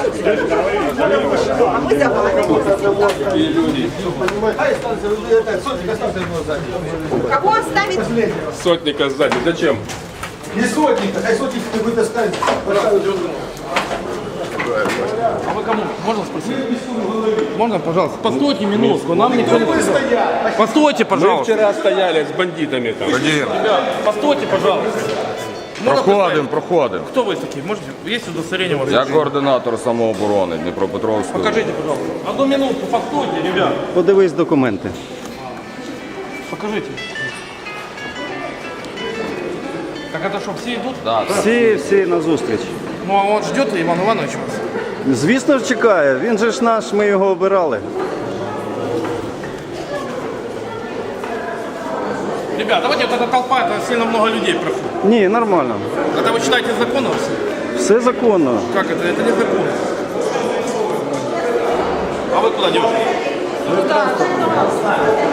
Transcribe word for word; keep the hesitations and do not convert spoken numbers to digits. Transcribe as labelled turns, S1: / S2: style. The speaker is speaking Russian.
S1: А мы за вами. Кого оставить?
S2: Сотника сзади. Зачем?
S3: Не сотника, а сотника ты будешь ставить.
S4: А вы кому? Можно спросить? Можно, пожалуйста? Постойте минутку, нам никто не сказал. Постойте,
S2: Мы
S4: пожалуйста.
S2: вчера стояли с бандитами там.
S4: Ребят, постойте, пожалуйста. Можно
S5: Проходимо,
S4: представить?
S5: проходимо.
S4: Кто вы такие? Можете? Есть удостоверение у вас?
S5: Я координатор самооборони Дніпропетровської.
S4: Покажите, пожалуйста. Одну минутку, постойте, ребят.
S6: Подивись документи.
S4: Покажите. Так это что, все идут?
S5: Да, да.
S6: Всі, всі на зустріч.
S4: Ну а он ждет Иван Иванович вас?
S6: Звісно ж чекає, він же ж наш, ми його обирали.
S4: Ребят, давайте вот эта толпа, это сильно много людей проходит.
S6: Ні, нормально.
S4: Это вы читаете законы все?
S6: Все законно.
S4: Как это? Это не закон. А вы куда девушка?